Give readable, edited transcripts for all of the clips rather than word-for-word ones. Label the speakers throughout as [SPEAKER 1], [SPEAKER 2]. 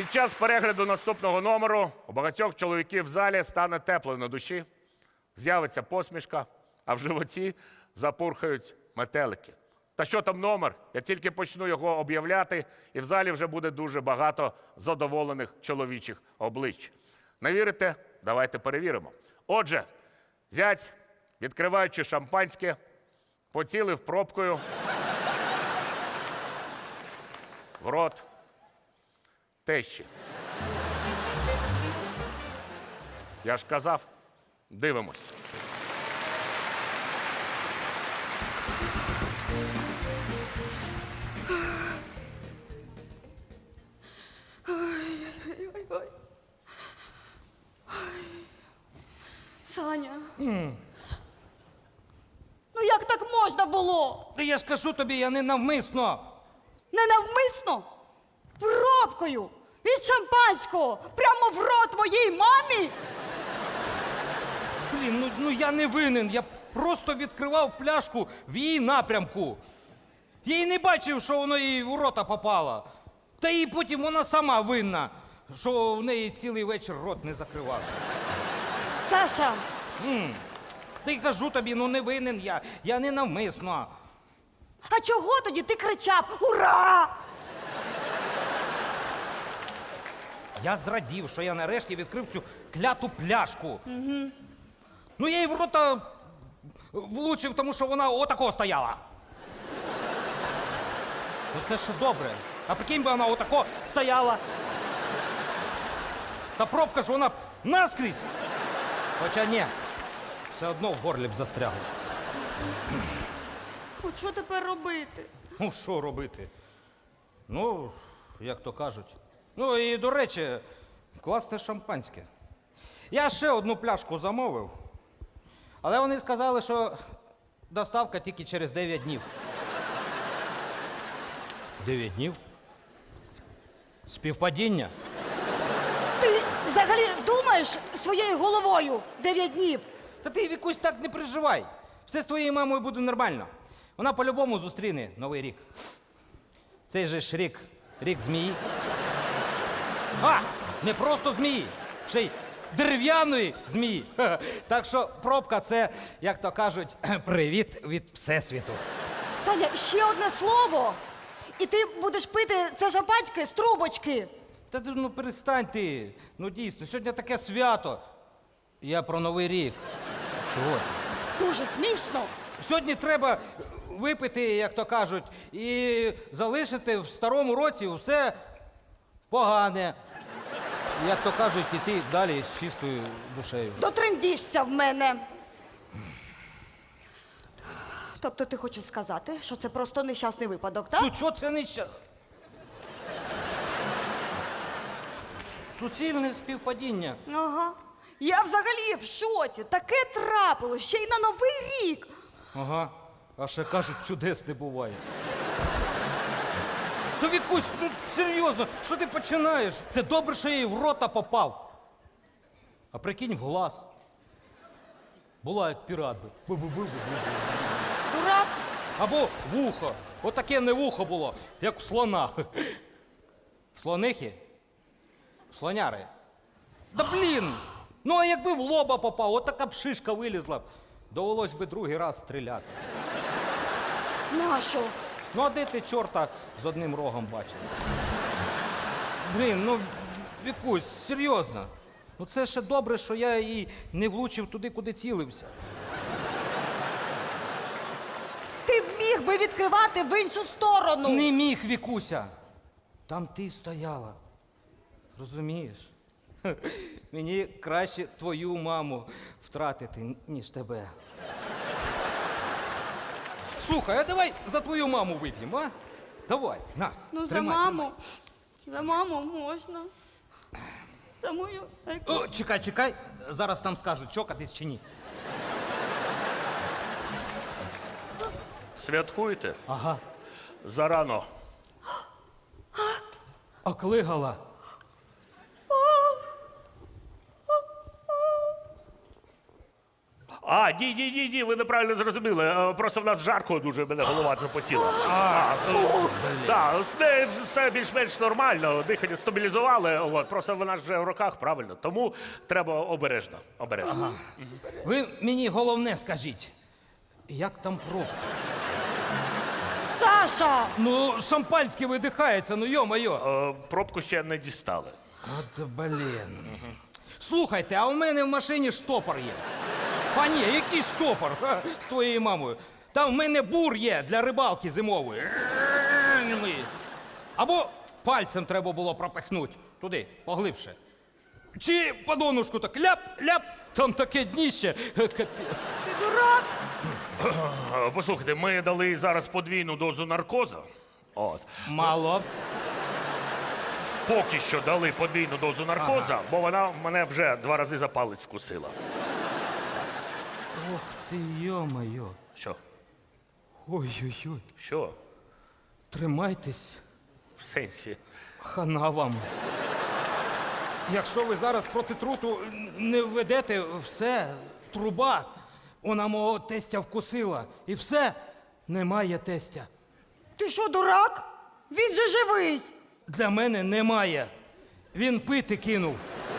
[SPEAKER 1] Під час перегляду наступного номеру у багатьох чоловіків в залі стане тепло на душі, з'явиться посмішка, а в животі запурхають метелики. Та що там номер? Я тільки почну його об'являти, і в залі вже буде дуже багато задоволених чоловічих облич. Не вірите? Давайте перевіримо. Отже, зять, відкриваючи шампанське, поцілив пробкою в рот тещі. Я ж казав, дивимось.
[SPEAKER 2] Саня. Ну як так можна було?
[SPEAKER 3] Та я ж кажу тобі, я не навмисно.
[SPEAKER 2] Ненавмисно? Пробкою від шампанського прямо в рот моїй мамі?
[SPEAKER 3] Блін, ну я не винен. Я просто відкривав пляшку в її напрямку. Я й не бачив, що воно їй в рота попало. Та і потім вона сама винна, що в неї цілий вечір рот не закривав.
[SPEAKER 2] Саша,
[SPEAKER 3] Та й кажу тобі, ну не винен я не навмисно.
[SPEAKER 2] а чого тоді ти кричав «Ура!»?
[SPEAKER 3] Я зрадів, що я нарешті відкрив цю кляту пляшку. Ну я їй в рота влучив, тому що вона отако стояла. Ну це ще добре. А прикинь би вона отако стояла. Та пробка ж вона наскрізь. Хоча ні, все одно в горлі б застрягло.
[SPEAKER 2] От що тепер робити?
[SPEAKER 3] Ну, що робити? Ну, як то кажуть. Ну і, до речі, класне шампанське. Я ще одну пляшку замовив, але вони сказали, що доставка тільки через 9 днів. 9 днів? Співпадіння?
[SPEAKER 2] Ти взагалі думаєш своєю головою 9 днів?
[SPEAKER 3] Та ти, Вікусь, так не переживай. Все з твоєю мамою буде нормально. Вона по-любому зустріне Новий рік. Цей же ж рік змії. А, не просто змії, ще й дерев'яної змії. Так що пробка – це, як то кажуть, привіт від Всесвіту.
[SPEAKER 2] Саня, ще одне слово, і ти будеш пити це шампанське з трубочки.
[SPEAKER 3] Та ти, ну перестань ти. Ну дійсно, сьогодні таке свято. Я про Новий рік. Чого ти?
[SPEAKER 2] Дуже смішно.
[SPEAKER 3] Сьогодні треба випити, як то кажуть, і залишити в старому році все погане. Як то кажуть, іти далі з чистою душею.
[SPEAKER 2] Дотрендішся в мене. Тобто ти хочеш сказати, що це просто нещасний випадок, так?
[SPEAKER 3] Ну чого це не ща? Суцільне співпадіння.
[SPEAKER 2] Ага. Я взагалі в шоці. Таке трапилось, ще й на Новий рік.
[SPEAKER 3] Ага. А ще кажуть, чудес не буває. Та Вікусь, ну серйозно, що ти починаєш? Це добре, що я їй в рота попав. А прикинь, в глаз. Була як пірат би.
[SPEAKER 2] Дурак.
[SPEAKER 3] Або вухо. Отаке не вухо було, як у слона. Слонихи? Слоняри. Да блін! Ну а якби в лоба попав, отака б шишка вилізла б. Довелось би другий раз стріляти.
[SPEAKER 2] Нащо?
[SPEAKER 3] Ну а де ти чорта з одним рогом бачив? Блін, ну Вікусь, серйозно. Ну це ще добре, що я її не влучив туди, куди цілився.
[SPEAKER 2] Ти б міг би відкривати в іншу сторону.
[SPEAKER 3] Не міг, Вікуся. Там ти стояла. Розумієш? Мені краще твою маму втратити, ніж тебе. Слухай, а давай за твою маму вип'ємо, а? Давай, на,
[SPEAKER 2] Ну,
[SPEAKER 3] тримай,
[SPEAKER 2] за маму. За маму можна. За мою.
[SPEAKER 3] О, чекай, зараз там скажуть, чокатись чи ні.
[SPEAKER 1] Святкуйте.
[SPEAKER 3] Ага.
[SPEAKER 1] Зарано.
[SPEAKER 3] Оклигала.
[SPEAKER 1] Ні, ви неправильно зрозуміли. Просто в нас жарко дуже, мене голова запотіла. З нею все більш-менш нормально, дихання стабілізували, просто вона ж вже в руках, правильно. Тому треба обережно.
[SPEAKER 3] Ви мені головне скажіть, як там пробка?
[SPEAKER 2] Саша!
[SPEAKER 3] Ну, шампанське видихається, ну йо-моє.
[SPEAKER 1] Пробку ще не дістали.
[SPEAKER 3] От блін. Слухайте, а у мене в машині штопор є. А ні, який штопор з твоєю мамою? Там в мене бур є для рибалки зимової. Або пальцем треба було пропихнути туди, поглибше. Чи по донушку так ляп-ляп, там таке дніще, капець.
[SPEAKER 2] Ти дурак!
[SPEAKER 1] Послухайте, ми дали зараз подвійну дозу наркозу.
[SPEAKER 3] Мало.
[SPEAKER 1] Поки що дали подвійну дозу наркозу, бо вона мене вже 2 рази за палець вкусила.
[SPEAKER 3] Ох ти, йо-моє.
[SPEAKER 1] Що?
[SPEAKER 3] Ой-ой-ой.
[SPEAKER 1] Що?
[SPEAKER 3] Тримайтесь,
[SPEAKER 1] В сенсі?
[SPEAKER 3] хана вам. Якщо ви зараз проти труту не введете, все, труба. Вона мого тестя вкусила. І все, немає тестя.
[SPEAKER 2] Ти що, дурак? Він же живий!
[SPEAKER 3] Для мене немає. Він пити кинув.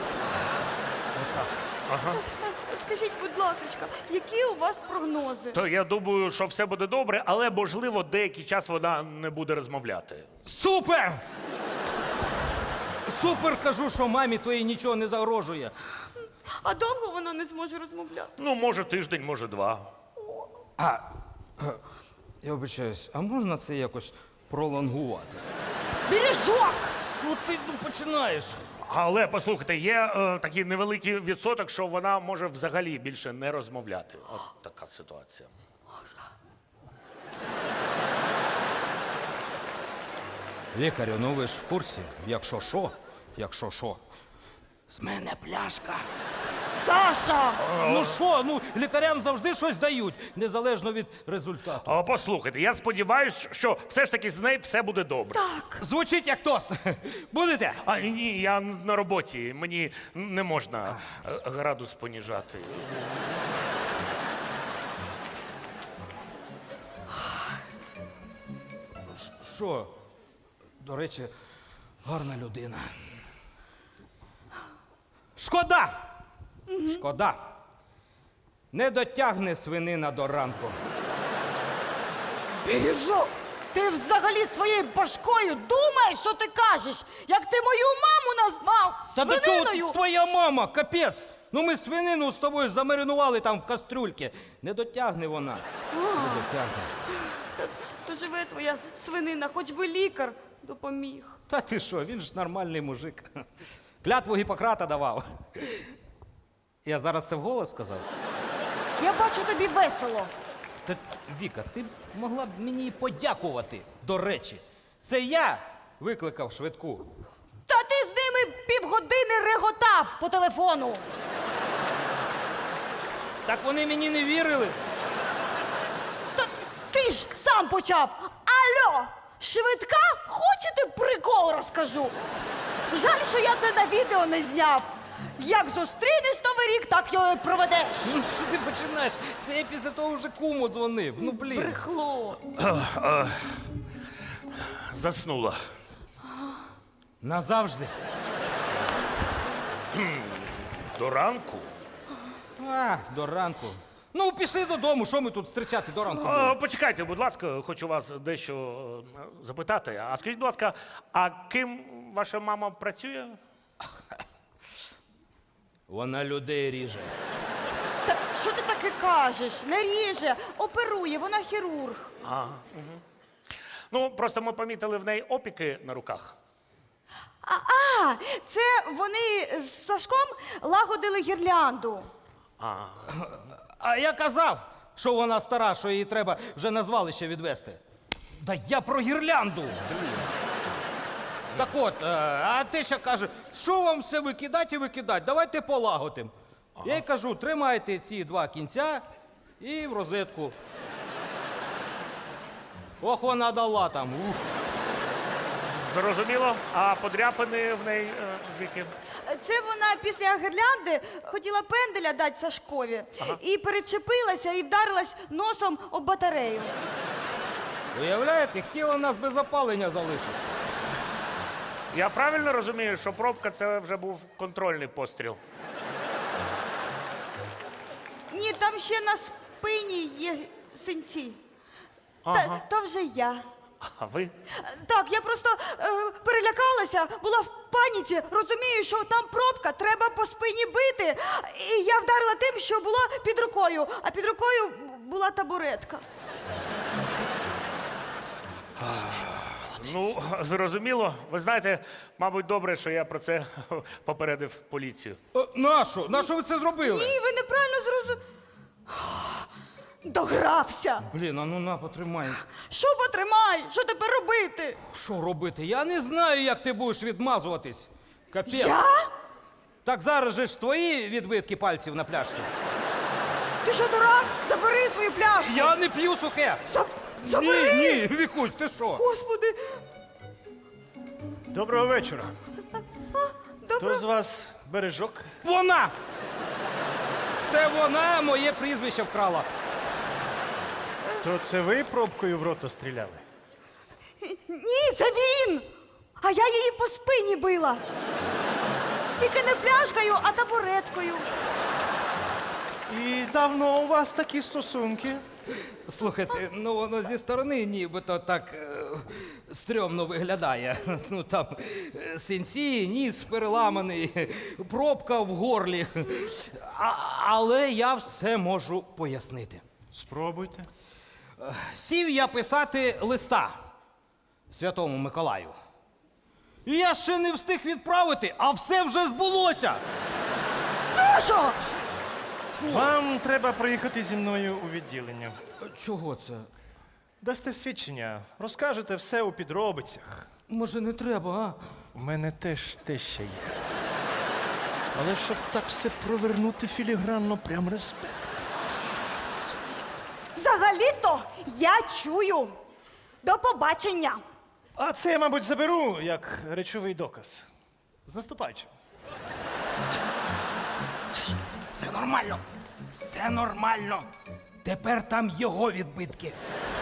[SPEAKER 2] Скажіть, будь ласка, які у вас прогнози?
[SPEAKER 1] То я думаю, що все буде добре, але, можливо, деякий час вона не буде розмовляти.
[SPEAKER 3] Супер! Супер, кажу, що мамі твоїй нічого не загрожує.
[SPEAKER 2] А довго вона не зможе розмовляти?
[SPEAKER 1] Ну, може тиждень, може 2.
[SPEAKER 3] Я вибачаюсь, а можна це якось пролонгувати?
[SPEAKER 2] Бережок!
[SPEAKER 3] Що ти починаєш?
[SPEAKER 1] Але, послухайте, є такий невеликий відсоток, що вона може взагалі більше не розмовляти. От така ситуація.
[SPEAKER 3] Лікарю, ну ви ж в курсі, якщо що, з мене пляшка.
[SPEAKER 2] Саша!
[SPEAKER 3] Ну що, ну лікарям завжди щось дають, незалежно від результату.
[SPEAKER 1] Послухайте, я сподіваюся, що все ж таки з нею все буде добре.
[SPEAKER 3] Звучить як тост. Будете?
[SPEAKER 1] Ні, я на роботі, мені не можна градус поніжати.
[SPEAKER 3] Що? До речі, гарна людина. Шкода! Шкода. Не дотягне свинина до ранку.
[SPEAKER 2] Бережок! Ти взагалі своєю башкою думаєш, що ти кажеш? Як ти мою маму назвав
[SPEAKER 3] Та до
[SPEAKER 2] свининою?
[SPEAKER 3] чого твоя мама, капець? Ну ми свинину з тобою замаринували там в кастрюльці. Не дотягне вона. Не дотягне.
[SPEAKER 2] То живе твоя свинина, хоч би лікар допоміг.
[SPEAKER 3] Та ти що, він ж нормальний мужик. Клятву Гіппократа давав. Я зараз це вголос сказав?
[SPEAKER 2] Я бачу, тобі весело.
[SPEAKER 3] Та, Віка, ти б могла б мені подякувати, до речі. Це я викликав швидку.
[SPEAKER 2] Та ти з ними півгодини реготав по телефону.
[SPEAKER 3] Так вони мені не вірили.
[SPEAKER 2] Та ти ж сам почав. Алло, швидка? Хочете прикол розкажу? Жаль, що я це на відео не зняв. Як зустрінеш Новий рік, так його і проведеш.
[SPEAKER 3] Ну що ти починаєш? Це я після того вже куму дзвонив. Ну блін.
[SPEAKER 2] Брехло.
[SPEAKER 1] Заснула.
[SPEAKER 3] Назавжди.
[SPEAKER 1] До ранку?
[SPEAKER 3] До ранку. Ну, пішли додому, що ми тут зустрічати до ранку? будемо?
[SPEAKER 1] Почекайте, будь ласка, хочу вас дещо запитати. А скажіть, будь ласка, а ким ваша мама працює?
[SPEAKER 3] Вона людей ріже.
[SPEAKER 2] Та що ти таке кажеш? Не ріже, оперує, вона хірург.
[SPEAKER 1] Ну, просто ми помітили в неї опіки на руках.
[SPEAKER 2] Це вони з Сашком лагодили гірлянду.
[SPEAKER 3] А я казав, що вона стара, що її треба вже на звалище відвести. Да я про гірлянду. Блін. Так от, а ти ще каже, що вам все викидати і викидати, давайте полагодимо. Я їй кажу, тримайте ці 2 кінця і в розетку. Ох, вона дала там. Ух.
[SPEAKER 1] Зрозуміло? А подряпини в неї звідки?
[SPEAKER 2] Це вона після гірлянди хотіла пенделя дати Сашкові. І перечепилася і вдарилась носом об батарею.
[SPEAKER 3] Уявляєте, хотіла нас без опалення залишити.
[SPEAKER 1] Я правильно розумію, що пробка це вже був контрольний постріл?
[SPEAKER 2] Ні, там ще на спині є синці. То вже я.
[SPEAKER 1] А ви?
[SPEAKER 2] Так, я просто перелякалася, була в паніці, розумію, що там пробка, треба по спині бити. І я вдарила тим, що було під рукою, а під рукою була табуретка.
[SPEAKER 1] Ну, зрозуміло. Ви знаєте, мабуть, добре, що я про це попередив поліцію.
[SPEAKER 3] Нащо? Нащо ви це зробили?
[SPEAKER 2] Ні, ви неправильно зрозуміли. Догрався.
[SPEAKER 3] Блін, а ну на, потримай.
[SPEAKER 2] Що потримай? Що тепер робити?
[SPEAKER 3] Що робити? Я не знаю, як ти будеш відмазуватись. Капець.
[SPEAKER 2] Я?
[SPEAKER 3] Так зараз же ж твої відбитки пальців на пляшці.
[SPEAKER 2] Ти що, дурак? Забери свою пляшку.
[SPEAKER 3] Я не п'ю сухе.
[SPEAKER 2] Забери.
[SPEAKER 3] Ні, Вікусь, ти що?
[SPEAKER 2] Господи.
[SPEAKER 4] Доброго вечора.
[SPEAKER 2] Добре.
[SPEAKER 4] Хто з вас бережок?
[SPEAKER 3] Вона! Це вона моє прізвище вкрала.
[SPEAKER 4] То це ви пробкою в рота стріляли?
[SPEAKER 2] Ні, це він. А я її по спині била. Тільки не пляшкою, а табуреткою.
[SPEAKER 4] І давно у вас такі стосунки?
[SPEAKER 3] Слухайте, ну воно зі сторони нібито так стрьомно виглядає. Ну там синці, ніс переламаний, пробка в горлі. Але я все можу пояснити.
[SPEAKER 4] Спробуйте.
[SPEAKER 3] Сів я писати листа Святому Миколаю. І я ще не встиг відправити, а все вже збулося.
[SPEAKER 2] Сашо!
[SPEAKER 4] Вам треба проїхати зі мною у відділення.
[SPEAKER 3] Чого це?
[SPEAKER 4] Дасте свідчення, розкажете все у підробицях.
[SPEAKER 3] Може, не треба, а?
[SPEAKER 4] У мене теж те ще є. Але щоб так все провернути філігранно, прям респект.
[SPEAKER 2] Взагалі-то я чую. До побачення.
[SPEAKER 4] А це я, мабуть, заберу як речовий доказ. З наступаючим.
[SPEAKER 3] Все нормально. Все нормально. Тепер там його відбитки.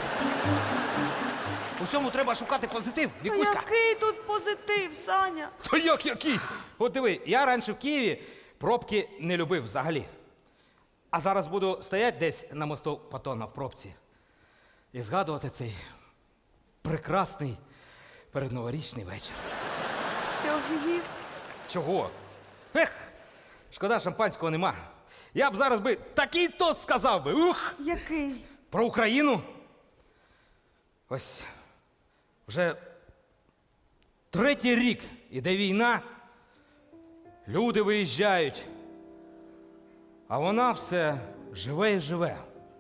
[SPEAKER 3] Усьому треба шукати позитив,
[SPEAKER 2] Та
[SPEAKER 3] Вікуська.
[SPEAKER 2] який тут позитив, Саня?
[SPEAKER 3] Та як який? От диви, я раніше в Києві пробки не любив взагалі. А зараз буду стояти десь на мосту Патона в пробці і згадувати цей прекрасний передноворічний вечір.
[SPEAKER 2] Ти офігів?
[SPEAKER 3] Чого? Ех, шкода, шампанського нема. Я б зараз би такий тост сказав би. Ух!
[SPEAKER 2] Який?
[SPEAKER 3] Про Україну. Ось вже третій рік іде війна, люди виїжджають, а вона все живе і живе.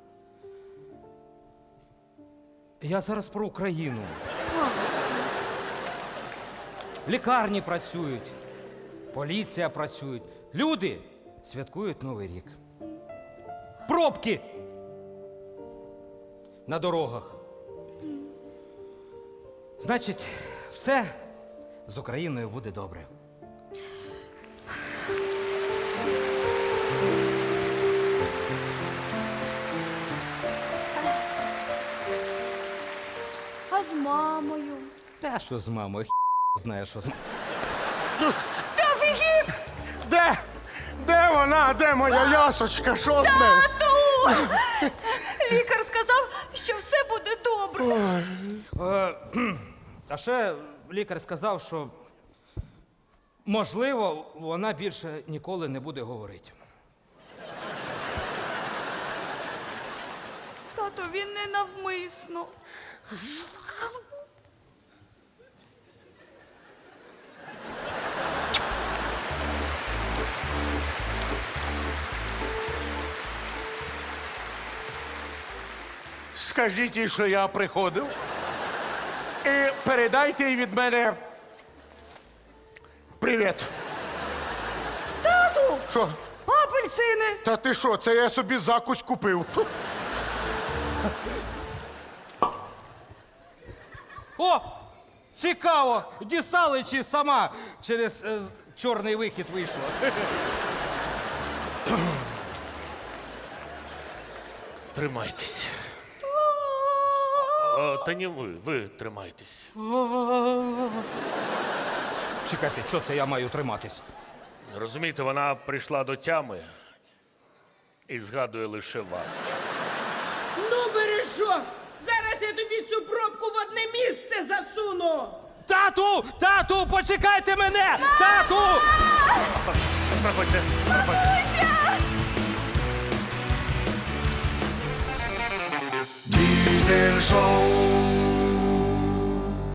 [SPEAKER 3] Я зараз про Україну. Лікарні працюють, поліція працює, люди святкують Новий рік. Пробки на дорогах. Значить, все з Україною буде добре.
[SPEAKER 2] А з мамою?
[SPEAKER 3] Та що з мамою? Знає, що з мамою.
[SPEAKER 2] Ти офігів?
[SPEAKER 5] Де? Де вона? Де моя ясочка? Що з нею?
[SPEAKER 2] Тату! Лікар сказав, що все буде добре.
[SPEAKER 3] А ще лікар сказав, що можливо, вона більше ніколи не буде говорити.
[SPEAKER 2] Тато, він не навмисно.
[SPEAKER 5] Скажіть їй, що я приходив. І передайте їй від мене привіт.
[SPEAKER 2] Тату!
[SPEAKER 5] Що?
[SPEAKER 2] Апельсини!
[SPEAKER 5] Та ти що, це я собі закусь купив. Фу.
[SPEAKER 3] О! Цікаво! Дістали чи сама через чорний вихід вийшло.
[SPEAKER 1] Тримайтесь. Та ні ви тримайтесь.
[SPEAKER 3] Чекайте, що це я маю триматись?
[SPEAKER 1] Розумієте, вона прийшла до тями і згадує лише вас.
[SPEAKER 6] Ну, бережок! Зараз я тобі цю пробку в одне місце засуну!
[SPEAKER 3] Тату! Тату, почекайте мене! Тату!
[SPEAKER 1] Проходьте, проходьте.
[SPEAKER 7] Diesel Show.